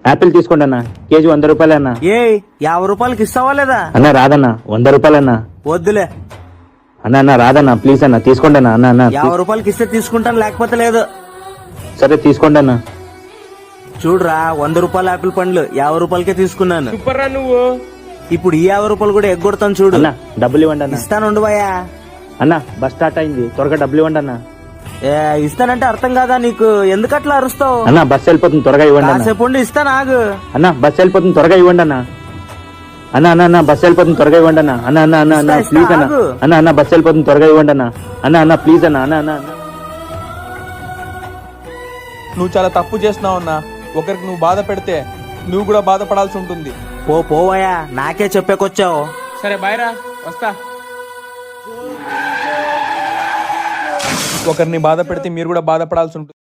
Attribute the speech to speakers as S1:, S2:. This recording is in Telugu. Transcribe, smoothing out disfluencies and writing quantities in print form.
S1: యాపిల్ తీసుకోండి అన్న, కేజీ 100 రూపాయలు అన్న.
S2: ఏ 50 రూపాయలకి ఇస్తావా లేదా?
S1: అన్న రాదన్న, 100 రూపాయలు అన్న.
S2: వద్దులే.
S1: అన్న రాదన్న, ప్లీజ్ అన్న, తీసుకోండి అన్న. అన్న
S2: 50 రూపాయలకి ఇస్తే తీసుకుంటాను, లేకపోతే లేదు.
S1: సరే తీసుకోండి అన్న.
S2: చూడరా, 100 రూపాయల యాపిల్ పండ్లు 50 రూపాయలకే తీసుకున్నాను.
S3: సూపర్ రా నువ్వు.
S2: ఇప్పుడు ఈ 50 రూపాయలు కూడా ఎగ్గొడతాను చూడు.
S1: అన్న డబ్బులు ఇవ్వండి అన్న.
S2: ఇస్తాను భయ్యా.
S1: అన్న బస్ స్టార్ట్ అయింది, త్వరగా డబ్బులు ఇవ్వండి అన్న.
S2: ఇస్తానంటే అర్థం కాదా నీకు? ఎందుకట్లా అరుస్తావు?
S1: అన్న బస్ వెళ్ళిపోతుంది, త్వరగా ఇవ్వండి అన్న.
S2: కాసేపు ఉండి ఇస్తాను, ఆగు.
S1: అన్న బస్ వెళ్ళిపోతుంది, త్వరగా ఇవ్వండి అన్న. అన్న బస్ వెళ్ళిపోతుంది, త్వరగా ఇవ్వండి అన్న. అన్న ప్లీజ్ అన్న. అన్న బస్ వెళ్ళిపోతుంది, త్వరగా ఇవ్వండి అన్న. అన్న ప్లీజ్ అన్న. అన్న
S3: నువ్వు చాలా తప్పు చేస్తున్నావు అన్నా. ఒకరికి నువ్వు బాధ పెడితే నువ్వు కూడా బాధపడాల్సి ఉంటుంది.
S2: పోవయ్యా, నాకే చెప్పేకొచ్చావు.
S3: సరే బాయ్ రా, వస్తా. ఒకరిని బాధ పెడితే మీరు కూడా బాధపడాల్సి ఉంటుంది.